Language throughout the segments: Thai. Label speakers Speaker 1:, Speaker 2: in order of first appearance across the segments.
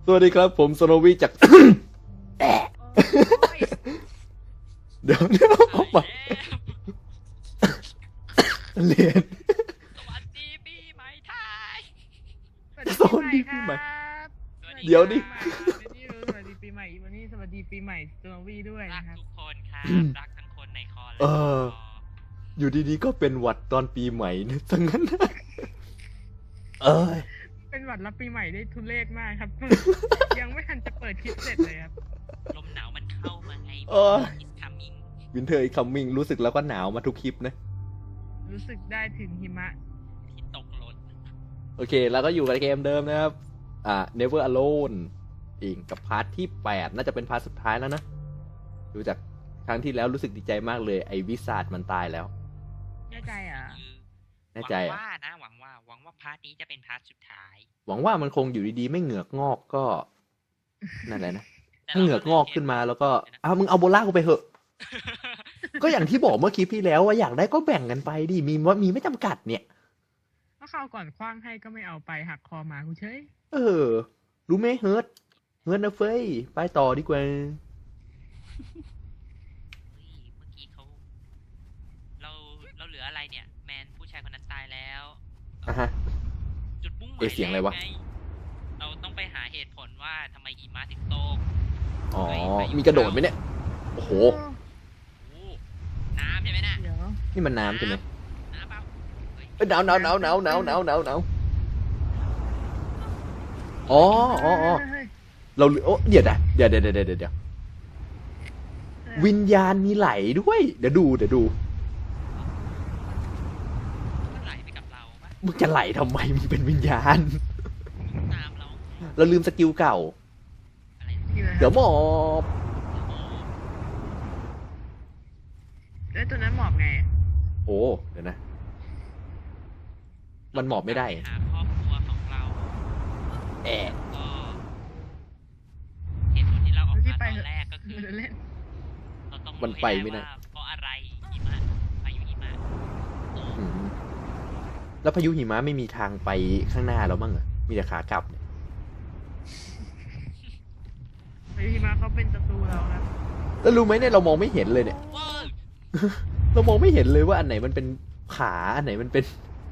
Speaker 1: สวัสดีครับผมโซโนวิจาก เดี๋ยวเอาใหม่เรียน
Speaker 2: สวัสดีปีใหม่ไทย
Speaker 1: สวัสดีปีใหม่ เดี๋ยวดิ
Speaker 3: สวัสดีปีใหม่วันนี้สวัสดีปีใหม่โจโนวีด้วย
Speaker 2: รัก
Speaker 3: นะครับ
Speaker 2: ทุกคนครับ รักทั้งคนในคอและ
Speaker 1: อยู่ดีๆก็เป็นหวัดตอนปีใหม่นะทั้งนั้นนะย
Speaker 3: เป็นหวัดรับปีใหม่ได้ทุเรศมากครับ ยังไม่ทันจะเปิดคลิปเสร็จเลยครับ
Speaker 2: ลมหนาวมันเข้ามาไง It's coming
Speaker 1: วินเทอร์อีคัมมิงรู้สึกแล้วก็หนาวมาทุกคลิปนะ
Speaker 3: รู้สึกได้ถึงหิมะ
Speaker 2: ที่ตกหล่น
Speaker 1: โอเคแล้วก็อยู่กับเกมเดิมนะครับNever Alone อีกกับพาร์ทที่ 8 น่าจะเป็นพาร์ทสุดท้ายแล้วนะดูจากครั้งที่แล้วรู้สึกดีใจมากเลยไอ้วิสาดมันตายแล้ว
Speaker 3: แน่ใจอ่ะ
Speaker 1: แน่ใจ
Speaker 2: หวั
Speaker 1: อ่ะ
Speaker 2: งว่านะหวังว่าพาร์ทนี้จะเป็นพาร์ทสุดท้าย
Speaker 1: หวังว่ามันคงอยู่ดีๆไม่เหงือกงอกก็นั่นแหละนะ
Speaker 2: แต่
Speaker 1: ถ้าเหงือกงอกขึ้นมาแล้วก็มึงเอาโบล่ากูไปเหอะ ก็อย่างที่บอกเมื่อคลิปที่แล้วว่าอยากได้ก็แบ่งกันไปดิมีไม่จำกัดเนี่ย
Speaker 3: ถ้าเขาวก่อนคว้างให้ก็ไม่เอาไปหักคอหมาคุณเฉย
Speaker 1: รู้ไหมเฮิร์ตนะเฟ้ยไปต่อดีกว่า
Speaker 2: เฮ้ยเมื่อกี้เราเหลืออะไรเนี่ย แมนผู้ชายคนนั้นตายแล้ว
Speaker 1: อ่ะฮะ
Speaker 2: จุดมุ่งหมาย
Speaker 1: เสียงอะไรวะ
Speaker 2: แกงเราต้องไปหาเหตุผลว่าทำไมหิมะถึงตก
Speaker 1: อ๋อมีกระโดดไหมเนี่ยโอ้โห
Speaker 2: โอ้น้ำใช่ไหมน่ะ
Speaker 3: เดี๋ยว
Speaker 1: นี่มันน้ำใช่ไหม
Speaker 2: น้ำเปล่าเฮ้ย
Speaker 1: หนาวอ๋อ
Speaker 3: เฮ้ย
Speaker 1: เราโอ้เดี๋ยววิญญาณมีไหลด้วย เดี๋ยวดู
Speaker 2: มันไหลไปกับเราปะ
Speaker 1: มึงจะไหลทำไมมึงเป็นวิญญาณ
Speaker 2: ตามเรา
Speaker 1: เราลืมสกิลเก่า
Speaker 2: อะไรนะ
Speaker 3: นี่เลย
Speaker 1: เดี๋ยวหมอบ
Speaker 2: โอ้
Speaker 3: แล้วตัวนั้นหมอบไง
Speaker 1: โอ้เดี๋ยวนะ มันหมอบไม่ได้
Speaker 2: ปหาครอบครัวของเรา
Speaker 1: แอะ
Speaker 2: ก็เหตุผลที่เราออกมาตอนแรกก็คือ
Speaker 3: มันจะเล่น
Speaker 2: เราต้อง
Speaker 1: มันไปไม่ได้
Speaker 2: ว่าเพราะอะไรหิมะพายุหิมะโอ้
Speaker 1: อืมแล้วพายุหิมะไม่มีทางไปข้างหน้าแล้วมั้งอะมีแต่ขากลับเนี่ย
Speaker 3: พายุหิมะเขาเป็นศัตรูเราครับ
Speaker 1: แล้วรู้ไหมเนี่ยเรามองไม่เห็นเลยเนี่ย
Speaker 2: ว้าว
Speaker 1: เรามองไม่เห็นเลยว่าอันไหนมันเป็นขาอันไหนมันเป็น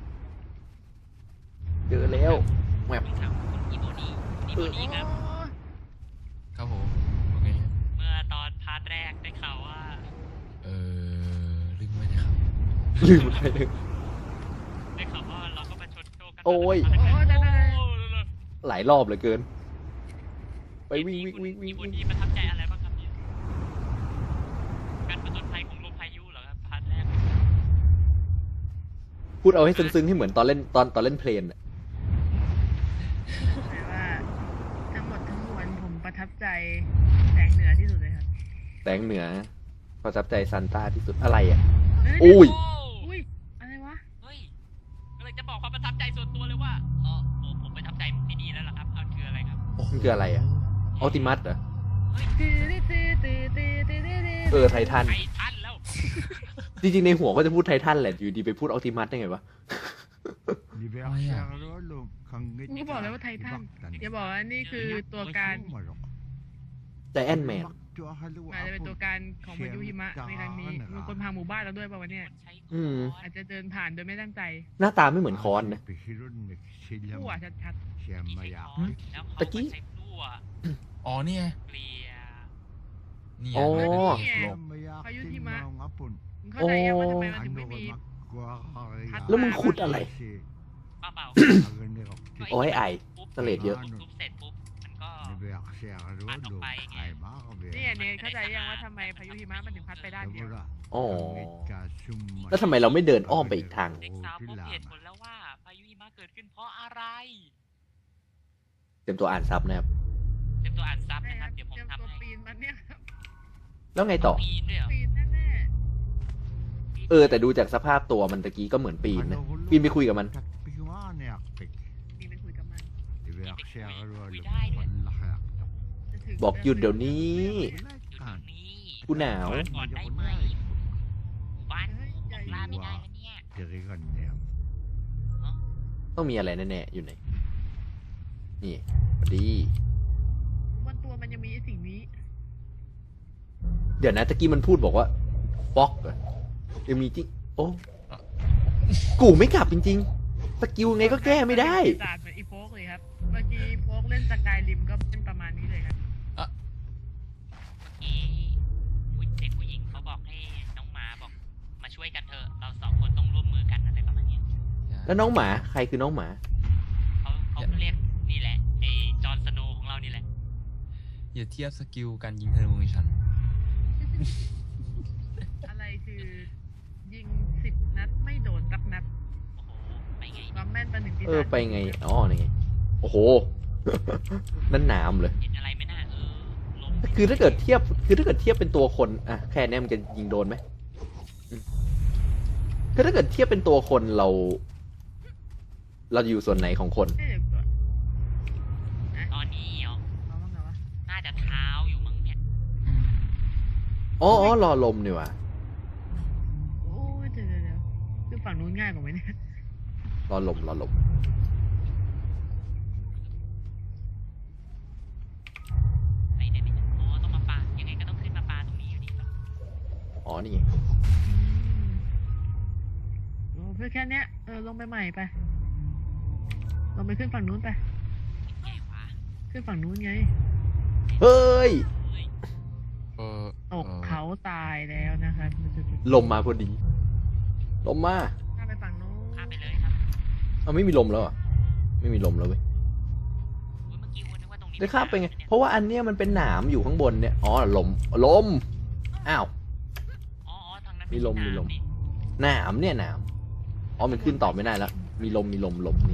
Speaker 1: เจอแล้วแมป
Speaker 2: ต้องถามคุณอีโบนี่ครับ
Speaker 4: ครับผมโอเค
Speaker 2: เมื่อตอนพาร์ทแรกได้ข่าวว่า
Speaker 4: ลืมไว้นะครับ
Speaker 1: ลืมไปเลย
Speaker 2: ได้ข่าวว่าเราก็มาชนโชคกัน
Speaker 1: โอ้ย
Speaker 2: โอ้ย
Speaker 1: หลายรอบเหลือเกิน ไปวิ่ง
Speaker 2: อีโบนี่ประทับใจอะไรบ้างครับเนี่ยการผจญภัยของลมพายุเหรอครับพาร์ทแรก
Speaker 1: พูดเอาให้ซึ้งๆให้เหมือนตอนเล่นตอนเล่นเพลนอะ
Speaker 3: แต่ว่าทั้งหมดทั้งมวลผมประทับใจแสงเหนือที่สุดเลยครับ
Speaker 1: แสงเหนือประทับใจซันต้าที่สุดอะไรอ่ะ
Speaker 3: เฮ้ย
Speaker 1: อุ้ย
Speaker 3: อุ้ยอะไรวะ
Speaker 2: เฮ้ยก็เลยจะบอกความประทับใจส่วนตัวเลยว่าผมประทับใจที่นี่แล้วล่ะครับมันคืออะไรครับ
Speaker 1: มันคืออะไรอ่ะออติมัสเหรอ
Speaker 2: เฮ้ย
Speaker 1: ไททัน
Speaker 2: ไททันแล้ว
Speaker 1: จริงๆในหัวก็จะพูดไททันแหละอยู่ดีไปพูดออติมัสได้ไงวะ
Speaker 3: กูบอกเลยว่าไททันอย่าบอกว่านี่คือตัวการ
Speaker 1: ใจแอนแมน
Speaker 3: อาจจะเป็นตัวการของพายุหิมะในครั้งนี้มีคนพาหมู่บ้านเราด้วยป่าวะเนี่ย
Speaker 2: ใช้
Speaker 1: อืม
Speaker 3: อาจจะเดินผ่านโดยไม่ตั้งใจ
Speaker 1: หน้าตาไม่เหมือนคอนนะ
Speaker 3: ผู้อ่ะชัด
Speaker 2: แล้ว
Speaker 1: ตะกี้
Speaker 2: ใช้พลั่ว
Speaker 4: อ๋อเนี่ย
Speaker 2: เกลีย
Speaker 4: เนี่ย
Speaker 1: อ๋อ
Speaker 4: ลม
Speaker 3: ๆพายุหิมะมึงเข้าใจยังว่าทำไมมันถึงไม่มี
Speaker 1: แล้วมึงขุดอะไร
Speaker 2: เปล่า
Speaker 1: โอ้ยไอ
Speaker 2: ปุ๊บ
Speaker 1: สเลดเยอะ
Speaker 2: ทุบเสร็จปุ๊บมันก็ปัดออกไปไง
Speaker 3: เนี่ยเนี่ยเข้าใจยังว่าทำไมพายุหิมะมันถึงพัดไปด้านเดียว
Speaker 1: อ๋อ แล้วทำไมเราไม่เดินอ้อมไปอีกทาง
Speaker 2: เด็กสาวพบเหตุผลแล้วว่าพายุหิมะเกิดขึ้นเพราะอะไร
Speaker 1: เต็มตัวอ่านซับนะครับ
Speaker 2: เตรียมตัวอ่านซับ
Speaker 3: ใช่
Speaker 2: นะ
Speaker 3: ค
Speaker 2: ค
Speaker 3: รั
Speaker 2: รั
Speaker 3: บบ
Speaker 2: เดี๋ยวผม
Speaker 3: เตรียม
Speaker 2: ทำ
Speaker 3: ตัว
Speaker 2: ให้
Speaker 3: ปีนมันเนี่ยครับ
Speaker 1: แล้วไงต่อ
Speaker 2: ปีนด้วยเหรอ
Speaker 3: ปีนแน่
Speaker 1: แต่ดูจากสภาพตัวมันตะกี้ก็เหมือนปีนนะปีนไปคุยกับมัน
Speaker 3: ๆปีนไปคุยกับมันจะถึง
Speaker 1: บอกหยุดเดี๋ยวนี้
Speaker 2: อยู่ตรงนี้
Speaker 1: กูหนาว
Speaker 2: ก่อนได้ไหมหมู่บ้านของลาไม่ได้แล้วเนี่ย
Speaker 1: ต้องมีอะไรแน่ๆอยู่ไหน นี่พอดี
Speaker 3: ตัวมันยังมีไอ้สิ่งนี้
Speaker 1: เดี๋ยวนะตะกี้มันพูดบอกว่าฟ็อกเหรอยังมีจริงโอ้กูไม่กลับจริงๆสกิลไงก็แก้ไม่ได้
Speaker 3: ศาสตร์เหมือนอีโฟกเลยครับเมื่อกี้โฟกเล่นสกายริมก็เป็นประมาณนี้เลยครับ
Speaker 2: ที่เด็กผู้หญิงเขาบอกให้น้องหมาบอกมาช่วยกันเถอะเราสองคนต้องร่วมมือกันอะไรประมาณเนี้ย
Speaker 1: แล้วน้องหมาใครคือน้องหมา
Speaker 2: เขาเรียกนี่แหละไอ้จอห์นสโนว์ของเรานี่แหละ
Speaker 4: อย่าเทียบสกิลการยิงธนูของฉัน
Speaker 3: อะไรคือยิง10 นัดไม่โดนสักนัด
Speaker 2: โอ้โหไปไง
Speaker 3: ความแม่นประหนึ่งปีศาจ
Speaker 1: ไปไงอ๋อนี่ไงโอ้โห นั่นหนามเลย
Speaker 2: เห็นอะไรไหมน่าลม
Speaker 1: คือถ้าเกิดเทียบเป็นตัวคนอะแค่นี้มันจะยิงโดนไหมอืมคือถ้าเกิดเทียบเป็นตัวคนเราอยู่ส่วนไหนของคน
Speaker 3: เดี๋ยวก่อน
Speaker 2: ตอนนี้เหรอ
Speaker 3: เอาบ้างไงวะ
Speaker 2: น่าจะเท้าอยู่มั้งเนี่ย
Speaker 1: อ๋อรอลมนี่หว่ะ
Speaker 3: โอ้ยเดี๋ยวคือฝั่งนู้นง่ายกว่าไหมเนี่ย
Speaker 1: รอลม
Speaker 2: ไปได้ไหมอ๋อต้องมาปายังไงก็ต้องขึ้นมาปาตรงนี้อยู่ดีป่ะ
Speaker 1: อ๋อนี่ไง
Speaker 3: โอ้เพื่อแค่เนี้ยลงไปใหม่ไปลงไปขึ้นฝั่งนู้นไป
Speaker 2: ไงวะ
Speaker 3: ขึ้นฝั่งนู้นไง
Speaker 1: เฮ้ย
Speaker 2: เฮ้ย
Speaker 4: เออ
Speaker 3: ตกเขาตายแล้วนะครับ
Speaker 1: ลมมาพอดี ลมมา
Speaker 3: ข้ามไปฝั่งนู้น
Speaker 2: ข้ามไปเลยครับ
Speaker 1: เอาไม่มีลมแล้วอ่ะไม่มีลมแล้วเว้ย
Speaker 2: อุ๊ยเมื่อกี้วันนึกว่าตรงนี้
Speaker 1: ได้ข้ามไปไงเพราะว่าอันเนี้ยมันเป็นหนามอยู่ข้างบนเนี่ยอ๋อลมอ้าว
Speaker 2: อ๋อทางนั้น
Speaker 1: มีลม
Speaker 2: ไใช่
Speaker 1: มีลม
Speaker 2: น้ำนี่
Speaker 1: หนามเนี่ยหนามอ๋อมันขึ้นต่อไม่ได้แล้วมีลมนี่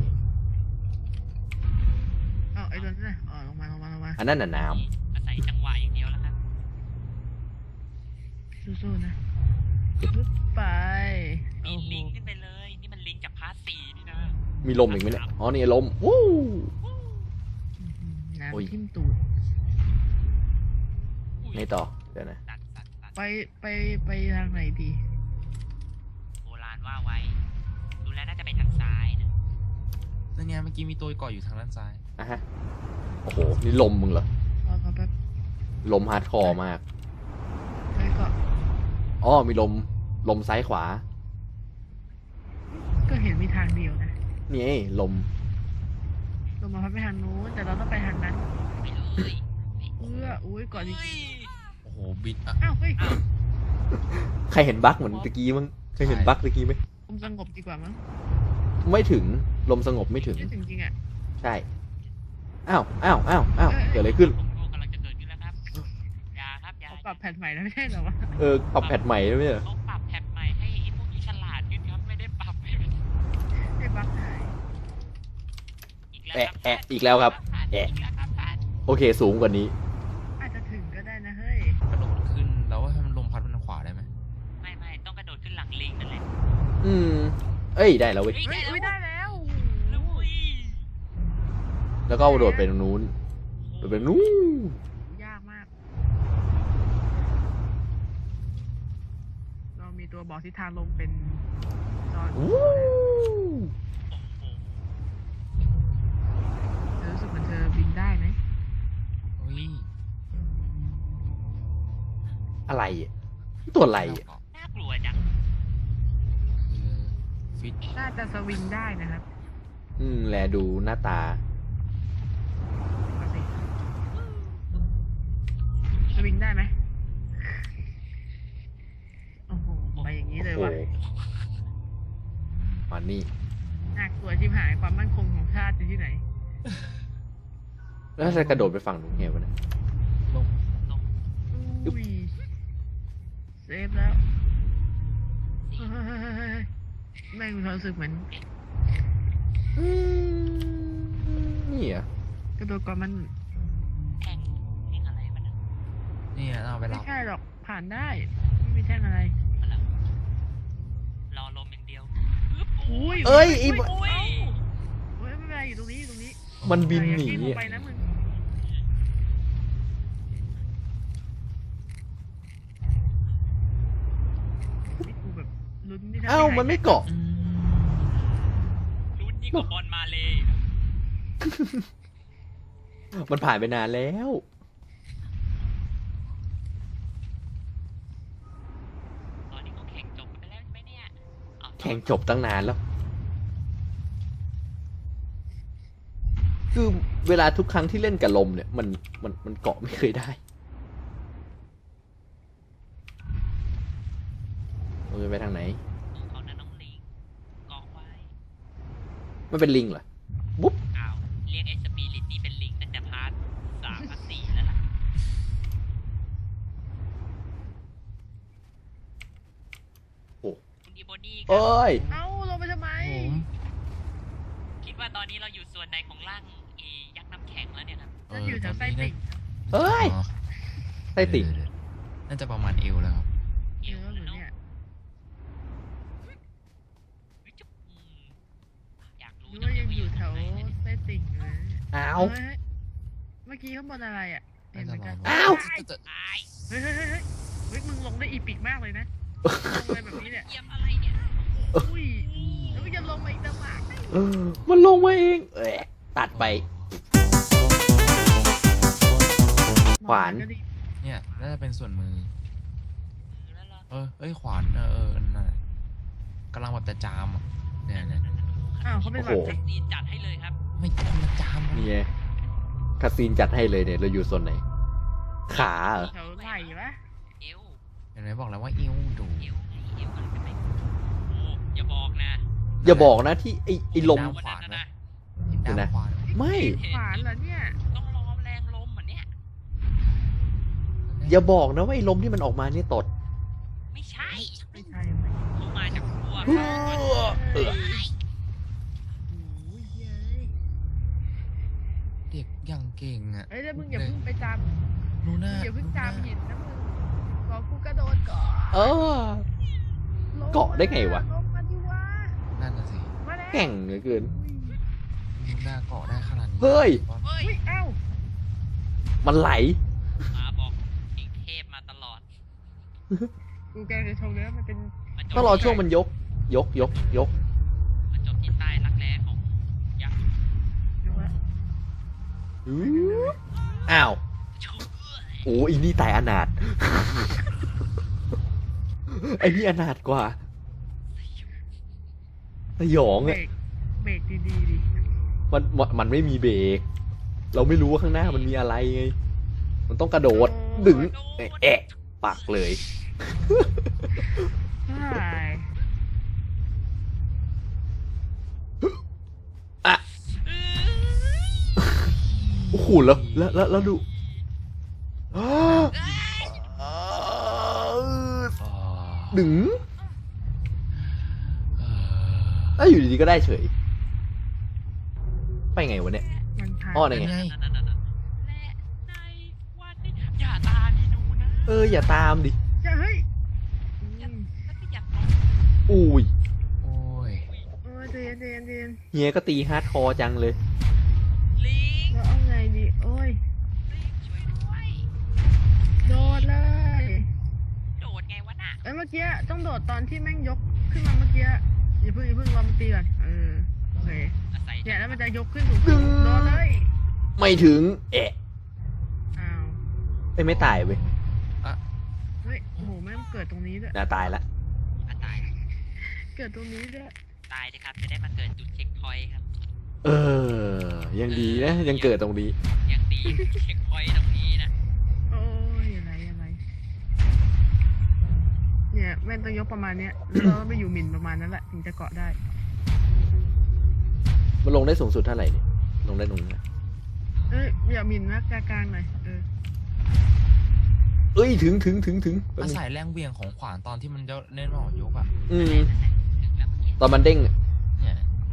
Speaker 3: ไอ้ตัวนั้นน่ะลงมา
Speaker 1: อันนั้นน่ะหนาม
Speaker 2: อาศัยจังหวะอย่างเดียวแล้วครับ
Speaker 3: สู้ๆนะปึ๊บไป
Speaker 2: มี
Speaker 3: โอ้โห
Speaker 2: ลิงก์ขึ้นไปเลยนี่มันลิงก์จากพาร์ท4นี่นะ
Speaker 1: มีลมอีกไหมเนี่ยอ๋อนี่ลมวู้ โอ้ย
Speaker 3: น้ำทิ่มตูด
Speaker 1: ไงต่อเดี๋ยวนะ
Speaker 2: ตัด
Speaker 3: ไปทางไหนดี
Speaker 2: โบราณว่าไว้ ดูแล้วน่าจะไปทางซ้ายนะ
Speaker 4: นั่นไงเมื่อกี้มีตัวเกาะอยู่ทางด้านซ้าย
Speaker 1: อ่ะฮะโอ้โหนี่ลมมึงเหรอ
Speaker 3: รอแป๊บ
Speaker 1: ลมฮาร์ดคอร์มาก
Speaker 3: ไปก่อน
Speaker 1: อ๋อมีลมซ้ายขวา
Speaker 3: ก็เห็นมีทางเดียวนะ
Speaker 1: นี่ไงลม
Speaker 3: ลงมาพัดไปทางนู้นแต่เราต้องไปทางนั้น
Speaker 2: ไปเลย
Speaker 3: อุ้ยก่อนอีก
Speaker 2: เฮ้ย
Speaker 4: โอ้โหบิดอ่ะ
Speaker 3: อ้าวเฮ้ย
Speaker 2: อ้าว
Speaker 1: ใครเห็นบั๊กเหมือนตะกี้มั้งเคยเห็นบั๊กตะกี้ไหม
Speaker 3: ลมสงบดีกว่ามั้ง
Speaker 1: ไม่ถึงลมสงบไม่ถึง
Speaker 3: ไม่ถึงจริงอ่ะ
Speaker 1: ใช่อ้าวเกิดอะไรขึ้น
Speaker 2: ผมก็กำลังจะเกิดขึ้นแล้วครับอย่าครับอย่า
Speaker 3: เขาปรับแพทใหม่แล้วไม่ใช่เหรอวะ
Speaker 1: ปรับแพทใหม่แล้วไม่ใช่เหรอ
Speaker 2: เขาปรับแพทใหม่ให้ไอ้พวกนี้ฉลาดขึ้นครับไม่ได้ปรับให้มัน
Speaker 3: ไอ้บั๊กหาย
Speaker 2: อีกแล้วครับ
Speaker 1: อีกแล้วครับ
Speaker 2: อีกแล้วครับท่าน
Speaker 1: โอเคสูงกว่านี้
Speaker 3: อาจจะถึงก็ได้นะเฮ้ย
Speaker 4: กระโดดขึ้นแล้วว่าให้มันลมพัดมันทางขวาได้ไหม
Speaker 2: ไม่ต้องกระโดดขึ้นหลังลิงนั่นแหละ
Speaker 1: อืมเอ้ยได้แล้วเว้ย
Speaker 2: เฮ้ย
Speaker 3: เฮ้ยได้แล้ว
Speaker 2: ลุย
Speaker 1: แล้วก็โดดไปตรงนู้นโดดไปนู้น
Speaker 3: ยากมาก เรามีตัวบอกทิศทางลมเป็นจอน
Speaker 1: วู้
Speaker 2: โอ้โห
Speaker 3: เธอรู้สึกเหมือนเธอบินได้ไหม
Speaker 4: เฮ้ย
Speaker 1: อะไรอ่ะตัวอะไรอ่ะ
Speaker 2: น่ากลัวจัง
Speaker 4: คือฟิต
Speaker 3: น่าจะสวิงได้นะครับ
Speaker 1: แลดูหน้าตา
Speaker 3: มาสิสวิงได้ไหมโอ้โหไปอย่างนี้เลย
Speaker 1: โอ้
Speaker 3: ว่ะ
Speaker 1: มานี่
Speaker 3: น่ากลัวชิบหายความมั่นคงของชาติอยู่ที่ไหน
Speaker 1: แล้วจะกระโดดไปฝั่งนู้นไงวะเนี่ย
Speaker 4: ลม
Speaker 3: อุ้ยเซฟแล้วเฮ้ยแม่งมีความรู้สึกเหมือน
Speaker 1: นี่อ่ะ
Speaker 3: กระโดดก่อนมัน
Speaker 2: แข่งอะไรมันนะ
Speaker 4: นี่เอาไป
Speaker 3: ไม่
Speaker 4: รับ
Speaker 3: ใช่หรอกผ่านได้ไม่มีแท่งอะไร
Speaker 2: มันละรอลมอย่างเดียวปึ๊บ
Speaker 3: อุ้ย
Speaker 1: เอ้ยไอ้
Speaker 2: โอ้ย
Speaker 3: เฮ้ยไม่เป็นไรอยู่ตรงนี้อยู่ตรงนี้
Speaker 1: มันบินหนี
Speaker 3: อย่ากิ้งลง
Speaker 1: อ่ะ
Speaker 3: ไปนะมึงนี่กูแบบลุ้นที่ทำ
Speaker 1: อ้าว
Speaker 3: ให้หย
Speaker 1: มันไม่เกาะ
Speaker 4: อืม
Speaker 2: ลุ้นยิ่งกว่าบอลมาเลย
Speaker 1: มันผ่านไปนานแล้วงจบตั้งนานแล้ว คือเวลาทุกครั้งที่เล่นกับลมเนี่ย มันเกาะไม่เคยได้เราจะไปทางไหน
Speaker 2: เขานั้นน้องลิงเกาะไว้
Speaker 1: มันเป็นลิงเหรอ บุ๊บ
Speaker 2: อ้าวเรียกไอ้สปิริตนี่เป็นลิงตั้งแต่พาร์ท3 พาร์ท 4แล้วล่ะ
Speaker 1: โอ้
Speaker 2: คุณอีโบนี่ครั
Speaker 1: เอ้ย
Speaker 3: เอ้าลงไปทำไม
Speaker 4: ผม
Speaker 2: คิดว่าตอนนี้เราอยู่ส่วนไหนของร่างยักษ์น้ำแข็งแล้วเนี่ยครับ
Speaker 3: ฉันอยู่แถวไส้ติ่งครับ
Speaker 1: เอ้ย
Speaker 4: อ๋อ
Speaker 1: ไส้ติ่ง
Speaker 4: เดี๋ยวน่าจะประมาณเอวแล้วครับ
Speaker 3: เออเหมือนเนี่ย
Speaker 2: เฮ้ยจุ๊บอยากรู้
Speaker 3: หรือ
Speaker 2: จั
Speaker 3: ว่าง
Speaker 2: เล
Speaker 3: ยัง
Speaker 2: ว่า
Speaker 3: อยู่แถว
Speaker 2: ตรงไหนเนี่ย
Speaker 3: ไส้ติ่งอยู่เลย
Speaker 1: อ้าว
Speaker 3: เฮ้ยเมื่อกี้ข้างบนอะไรอ่ะเห็นเหมือนกัน
Speaker 1: อ้าว
Speaker 2: ตาย
Speaker 3: เฮ้ยเฮ้ยเฮ้ยเฮ้ยเฮ้ยมึงลงได้อีปิกมากเลยนะลงไปแบบนี้เนี่ย
Speaker 2: เยี่ยมอะไรเนี่ย
Speaker 3: อุ้ยแล้วมึงจะลงมาอีกต่างหาก
Speaker 1: มันลงมาเอง เอ้ยตัดไป ขวาน
Speaker 3: ก็ดี
Speaker 4: เนี่ยน่าจะเป็นส่วนมือ
Speaker 2: แล้วเหรอ
Speaker 4: เอ้ยขวานนั่นน่ะกำลังแบบจะจามอ่ะเนี่ย
Speaker 3: อ้าวเขาเป็นหวัด
Speaker 1: โอ้โห
Speaker 3: เจ็บ
Speaker 2: ดีจัดให้เลยครับ
Speaker 4: ไม่กำลังจามอะ
Speaker 1: นี่ไงคาซีนจัดให้เลยเนี่ย เราอยู่ส่วนไหน ขาเหรอ
Speaker 3: แถวไหล่ปะ
Speaker 2: เอว
Speaker 4: เห็นไหมบอกแล้วว่าเอวดู
Speaker 2: เอวไงเอวอะไรเป็นไงโอ้อย่าบอกนะ
Speaker 1: อย่าบอกนะที่ไอ้ลม
Speaker 2: วันนั้นนะ
Speaker 4: เห็น
Speaker 1: เดี๋ยว
Speaker 4: ด้า
Speaker 1: นะ
Speaker 4: นขวาน
Speaker 1: ไม่
Speaker 3: ขวานเหรอเนี่ย
Speaker 2: ต้องรอแรงลมเหมือนเนี้ย
Speaker 1: อย่าบอกนะว่าไอ้ลมที่มันออกมาเนี่ยตด
Speaker 2: ไม่ใช่
Speaker 3: ไม่ใช่ไม่
Speaker 2: เขามาจากขั้ว
Speaker 1: เฮ้ย
Speaker 3: โอ้ยเย้ย
Speaker 4: เด็กยังเก่งอ่ะ
Speaker 3: เฮ้ยแล้วมึงอย่าเพิ่งไปจ
Speaker 4: นู
Speaker 3: ำมึ
Speaker 4: น่าง
Speaker 3: อย่าเพิ่งจำหินนะมึงรอกูกระโดดก่อน
Speaker 1: เออ
Speaker 3: ลง
Speaker 1: เกาะได้ไงวะ
Speaker 3: ลงมาดิวะ
Speaker 4: นั่นน่ะสิ
Speaker 3: มาแล้ว
Speaker 1: แก่งเหลือเกิน
Speaker 4: นูน่าเกาะได้ขนาดนี้
Speaker 1: เฮ้ย
Speaker 2: เฮ้ย
Speaker 3: อุ้ยเอ้า
Speaker 1: มันไหล
Speaker 2: มาบอกเองเทพมาตลอด
Speaker 3: กูแกจะชมเลยว่ามันเป็น
Speaker 2: มาจบ
Speaker 1: ต้องรอช่วงมันยก ยก
Speaker 2: มาจบที่ใต้รักแร้ของยักษ์
Speaker 3: ดูว่า
Speaker 1: อ้าว
Speaker 2: ชูเอื้อ
Speaker 1: โอ้อีนี่ตายอนาถ ไอ้นี่อนาถกว่าสยอง
Speaker 3: เบร
Speaker 1: อ่ะ
Speaker 3: กเบรกดีๆดิ
Speaker 1: มันไม่มีเบรก เราไม่รู้ว่าข้างหน้ามันมีอะไรไง มันต้องกระโดด ดึง แอะปักเลย
Speaker 3: ใช่
Speaker 1: อ่ะ โอ้โหแล้วดู ดึงแล้วอยู่ดีๆก็ได้เฉย ไปไงวะเนี่ย
Speaker 3: มันผ่าน
Speaker 1: อ้อไหนไง
Speaker 2: และในวันนี้อย่าตามที่ดูนะ
Speaker 1: อย่าตามดิ
Speaker 3: จะเฮ้ย
Speaker 2: แล้วก็อย่าตาม
Speaker 1: อุ้ย
Speaker 4: โอ้ย
Speaker 3: เออเดียน
Speaker 1: เฮียก็ตีฮาร์ดคอร์จังเลย
Speaker 2: ลิง
Speaker 3: แล้วเอาไงดีโอ้ย
Speaker 2: ลิงช่วยด้วย
Speaker 3: โดดเลย
Speaker 2: โดดไงวะน่ะ
Speaker 3: เอ้ยเมื่อกี้ต้องโดดตอนที่แม่งยกขึ้นมาเมื่อกี้อย่าเพิ่งรอมันตีก่อนโอเค
Speaker 2: อาศัย
Speaker 3: เนี่ยแล้วมันจะยกขึ้นสูงๆโดดเลย
Speaker 1: ไม่ถึง เอะ
Speaker 3: อ้าว
Speaker 1: ไม่ตายเว้ย
Speaker 3: เฮ้ยโอ้โหแม่งเกิดตรงนี้ด้วย
Speaker 1: น่าตายละ
Speaker 2: ตาย
Speaker 3: เกิดตรงนี้ด้วย
Speaker 2: ตายเลยครับจะได้มาเกิดจุดเช็คพอยต์ครับ
Speaker 1: ยังดีนะ ยังเกิดตรงนี้
Speaker 2: ยังดีเช็คพอยต์ตรงนี้นะ
Speaker 3: โอ้ยอะไรเนี่ยแม่งต้องยกประมาณเนี้ยแล้วก็ไปอยู่หมิ่นประมาณนั้นแหละถึงจะเกาะได้
Speaker 1: มันลงได้สูงสุดเท่าไหร่เนี่ย ลงได้ตรงนี้นะ
Speaker 3: เอ้ยอย่าหมิ่นนะกลางๆหน่อย
Speaker 1: เอ้ย ถึงแป๊บ
Speaker 4: อา
Speaker 1: นึง
Speaker 4: ศัยแรงเบี่ยงของขวานตอนที่มันจะเล่นหมอยกอ่ะ
Speaker 1: อืม
Speaker 2: ถึงแล้วเมื่อกี้
Speaker 1: ตอนมันเด้ง
Speaker 4: เนี่ย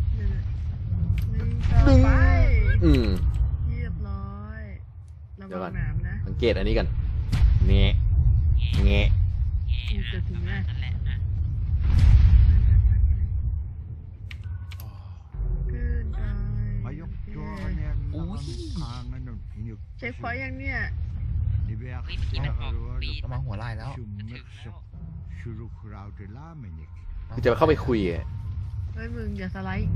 Speaker 3: ดึงไป
Speaker 1: อืม
Speaker 3: เรียบร้อยระ
Speaker 1: เดี๋ยวก่
Speaker 3: วั
Speaker 1: อน
Speaker 3: งหนามนะ
Speaker 1: สังเกตอันนี้กันเงี้ย
Speaker 2: แง่
Speaker 1: เงี้ย
Speaker 2: แง่ประมาณนั้นแหละนะ
Speaker 3: ขึ้นไป
Speaker 5: Ajok tuohon aangan on hinyuk.
Speaker 3: เช็คพอยต์ยังเนี่ย
Speaker 5: Niveak
Speaker 2: เฮ้ยเมื่อกี้มันบอกปีด
Speaker 4: ประมาณหัวไหล่แล้ว
Speaker 2: ถึงแล้ว
Speaker 5: shuruk raute laamenik.
Speaker 1: คือจะเข้าไปคุยอะ
Speaker 3: เฮ้ยมึงอย่าสไลด์อีกดิ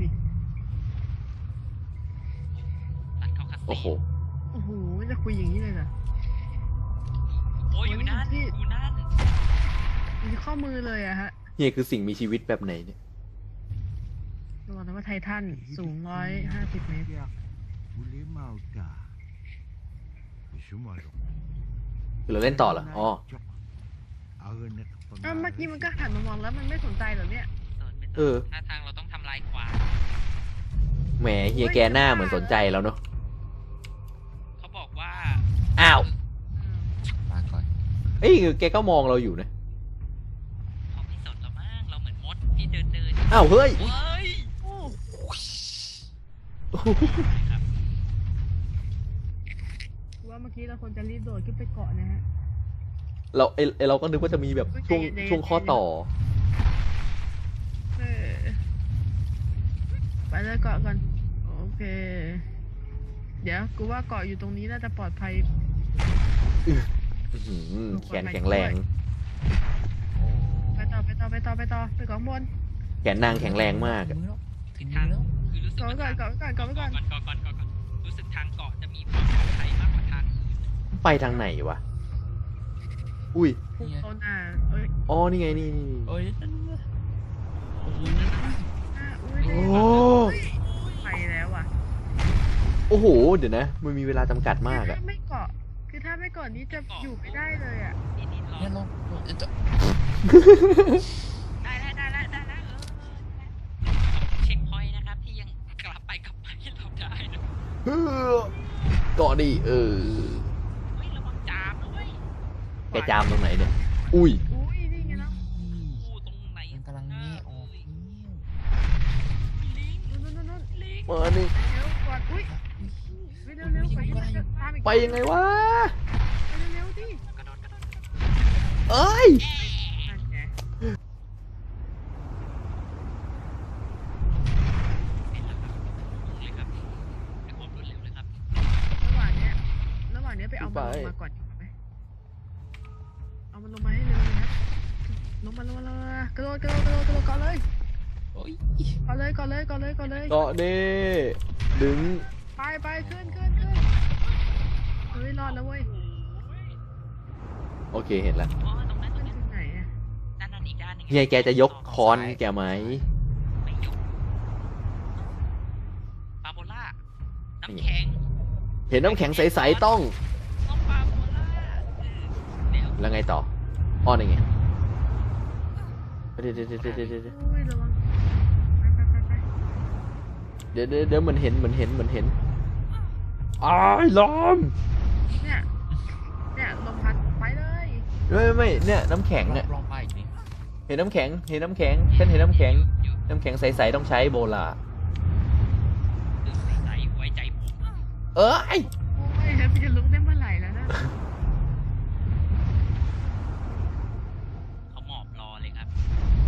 Speaker 2: ตัดเข้าคัส
Speaker 1: โอ้
Speaker 2: ซี
Speaker 1: โห
Speaker 3: โอ้โหจะคุยอย่างนี้เลยเหรอ
Speaker 2: โอ้ยอยู่นั่นอยู่นั่น
Speaker 3: มันจะข้อมือเลยอะฮะ
Speaker 1: เฮียคือสิ่งมีชีวิตแบบไหนเนี่ย
Speaker 3: ระวังนะว่าไททันสูง150 เมตร
Speaker 5: boleh mau tak? Semua tu.
Speaker 1: คือเราเล่นต่อเหรอ อ๋อ
Speaker 5: Ara nak
Speaker 3: เมื่อกี้มันก็หันมามองแล้วมันไม่สนใจเหรอเนี่ย
Speaker 1: เออ
Speaker 2: ถ้าทางเราต้องทำลายขวาน
Speaker 1: แหมเฮียแกหน้าเหมือนสนใจแล้วเนอะ
Speaker 2: เขาบอกว่า
Speaker 1: อ้าว
Speaker 4: ลาก่อน
Speaker 1: เอ้ยแกก็มองเราอยู่นะ
Speaker 2: เขาไม่สนเรามั้งเราเหมือนมดที่เดิน
Speaker 1: อ้าว เฮ้ย
Speaker 2: เฮ้ย
Speaker 3: โอ้
Speaker 2: ครับ
Speaker 3: ว่าเมื่อกี้เราควรจะรีบโดดขึ้นไปเกาะนะฮะ
Speaker 1: เราก็นึกว่าจะมีแบบช่วงข้อต่อ
Speaker 3: เออไปเลยเกาะก่อนโอเค เดี๋ยวกูว่าเกาะอยู่ตรงนี้น่าจะปลอดภัย
Speaker 1: อื้อหือแขนแข็งแรง
Speaker 4: โอ้
Speaker 3: ไปต่อไปเกาะข้างบน
Speaker 1: แขนนางแข็งแรงมาก
Speaker 4: ถึ
Speaker 1: อะ
Speaker 4: งมือแล้วถึงมื
Speaker 2: ทา
Speaker 4: อง แล้ว
Speaker 2: คือรู้สึก
Speaker 3: เกาะ
Speaker 2: ว่า
Speaker 3: ไว้ก่อน
Speaker 2: ก่อนรู้สึกทางเกาะจะมีความปลอดภัยมากกว่าทางอื่น
Speaker 1: ไปทางไหนวะ อุ้ย
Speaker 3: พุ่งเข้าหน้าเอ้ย
Speaker 1: อ๋อ นี่ไงนี่
Speaker 4: โอ้ยนั่นน่ะโอ้โห
Speaker 3: อุ้ย
Speaker 1: โอ้
Speaker 3: ไปแล้วอ่ะ
Speaker 1: โอ้โห เดี๋ยวนะ มันมีเวลาจำกัดมากอะ
Speaker 3: ถ้าไม่เกาะคือถ้าไม่เกาะนี้จะอยู่ไม่ได้เลยอ่ะ
Speaker 2: นี่รอ
Speaker 4: เนี่ยเราจะ
Speaker 2: ได้แล้วเช็คพอยต์นะครับที่ยังกลับไปให้เราได้นะ
Speaker 1: เกาะดิเออ
Speaker 2: เฮ้ยระวังจามนะเว้ย
Speaker 1: แกจามตรงไหนเนี่ย อุ้ย
Speaker 3: อุ้ยนี่ไงเนาะ
Speaker 2: กูตรงไหน
Speaker 4: มันกำลังแง่ออกเนี่ย
Speaker 2: ลิง
Speaker 3: นู่น
Speaker 2: ลิง
Speaker 1: มานี่
Speaker 3: เร็วกดอุ้ยไปเร็วไปให้มันตามอีก
Speaker 1: ไปยังไงวะ
Speaker 3: ไปเร็วดิ
Speaker 2: กระโดด
Speaker 1: เอ้ย
Speaker 3: นั่นไง
Speaker 2: เป็นแล้วครับเลยครับด้วยความรวดเร็วเลยครับ
Speaker 3: ระหว่างเนี้ยไปเอามันลงมาก่อนดีกว่าไหมเอามันลงมาให้เร็วเลยนะลงมากระโดดเกาะเลย
Speaker 4: โอ้ย
Speaker 3: เกาะเลย
Speaker 1: เกาะดิดึง
Speaker 3: ไปขึ้นเฮ้ยรอดแล้วเว้ย
Speaker 1: โอเคเห็นแล้ว
Speaker 2: อ๋อตรงนั้น
Speaker 3: ขึ้นถึงไหนอะ
Speaker 2: นั่นอีกด้านหนึง
Speaker 1: เฮียแกจะยกคอนแกไหม
Speaker 2: ไม่ยกปาโบล่าน้ำแข็ง
Speaker 1: เห็นน้ำแข็งใสๆต้อง
Speaker 2: น้องปาโบล่าเดี๋ยว
Speaker 1: แล้วไงต่อ อ้อนี่ไงเดี๋ยว
Speaker 3: อุ้ยระวังไป
Speaker 1: เดี๋ยวมันเห็นอ้ายล้อม
Speaker 3: เนี่ยลมพัดไปเลย
Speaker 1: ไม่เนี่ยน้ำแข็งเนี่ย
Speaker 4: ลองไปอีกนิด
Speaker 1: เห็นน้ำแข็งฉันเห็นน้ำแข็ง
Speaker 2: อยู่
Speaker 1: น้ำแข็งใสๆต้องใช้โบลา
Speaker 2: ตื่นใสไว้ใจผม
Speaker 1: เอ้ย
Speaker 3: โอ้ยแล้วมันจะลุกได้เมื่อไหร่แล้วนะ
Speaker 2: เขาหมอบรอเลยครับ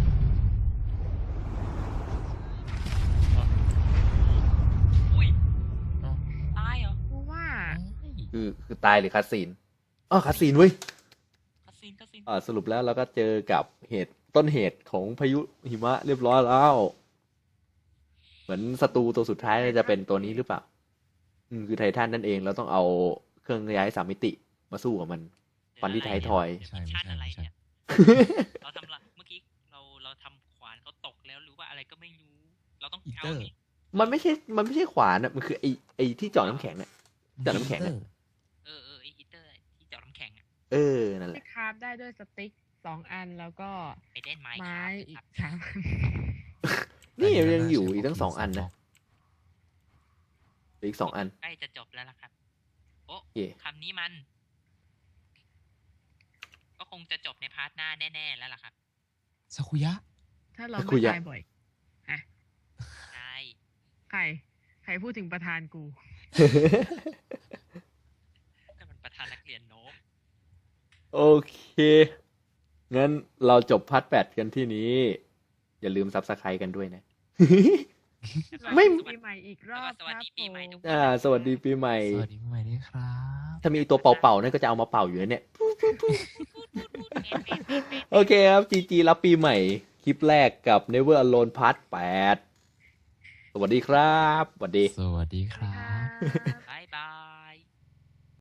Speaker 2: อุ้ย
Speaker 4: เอ้า
Speaker 2: ตายเหรอ
Speaker 3: กูว่า
Speaker 1: คือตายหรือคาซีนอ๋อคาซีนเว้ย
Speaker 2: คาสิน
Speaker 1: สรุปแล้วเราก็เจอกับต้นเหตุของพายุหิมะเรียบร้อยแล้ว เหมือนศัตรูตัวสุดท้ายจะเป็นตัวนี้หรือเปล่า คือไททันนั่นเองเราต้องเอาเครื่องย้ายสามมิติมาสู้กับมัน ฟันที่ท้ายทอย
Speaker 2: เดี๋วมิชชั่นอะไรเนี่ยเราทำละเมื่อกี้เราทำขวานเขาตกแล้วหรือว่าอะไรก็ไม่รู้ เราต้องเอานี่
Speaker 1: มันไม่ใช่ขวานอะมันคือไอที่เจาะน้ำแข็งเนี่ย จากน้ำแข็งอะ
Speaker 2: ไอฮีเตอร์ที่เจาะน้ำแข็งอะ
Speaker 1: นั่นแห
Speaker 3: ที่
Speaker 1: ละ
Speaker 3: คราฟได้ด้วยสติ๊ก2 อันแล้วก็
Speaker 2: ไปเล่นไม้
Speaker 3: ไม้
Speaker 2: ค
Speaker 3: อี
Speaker 2: รั
Speaker 3: ก
Speaker 2: บ
Speaker 3: 3 อัน
Speaker 1: นี่ยังอยู่อีกทั้ง2 อันนะอีก2 อัน
Speaker 2: ใกล้จะจบแล้วล่ะครับ โอ้
Speaker 1: โอเค
Speaker 2: คำนี้มัน ก็คงจะจบในพาร์ทหน้าแน่ๆแล้วล่ะครับ
Speaker 4: ซากุยะ
Speaker 3: ถ้าเรา
Speaker 1: คุ
Speaker 3: ไม่
Speaker 1: ยอะ
Speaker 3: ตายบ่อย
Speaker 2: ใช่
Speaker 3: ใครพูดถึงประธานกู
Speaker 2: นั่นมันประธานนักเรียนโน้ม
Speaker 1: โอเค งั้นเราจบพาร์ท 8 กันที่นี้ อย่าลืมซับสไครต์กันด้วยนะ ไม่
Speaker 3: ปีใหม่อีกรอบ
Speaker 2: สวัสดีปีใหม่ทุกคน
Speaker 1: สวัสดีปีใหม่
Speaker 4: สวัสดีปีใหม่ด้วยครับ
Speaker 1: ถ้ามีตัวเป่าๆนั่นก็จะเอามาเป่าอยู่นะเนี่ย โอเคครับ GG รับปีใหม่ คลิปแรกกับ Never Alone Part 8 สวัสดีครับ สวัสดี
Speaker 4: สวัสดีครั
Speaker 3: ครับ บ
Speaker 2: ไป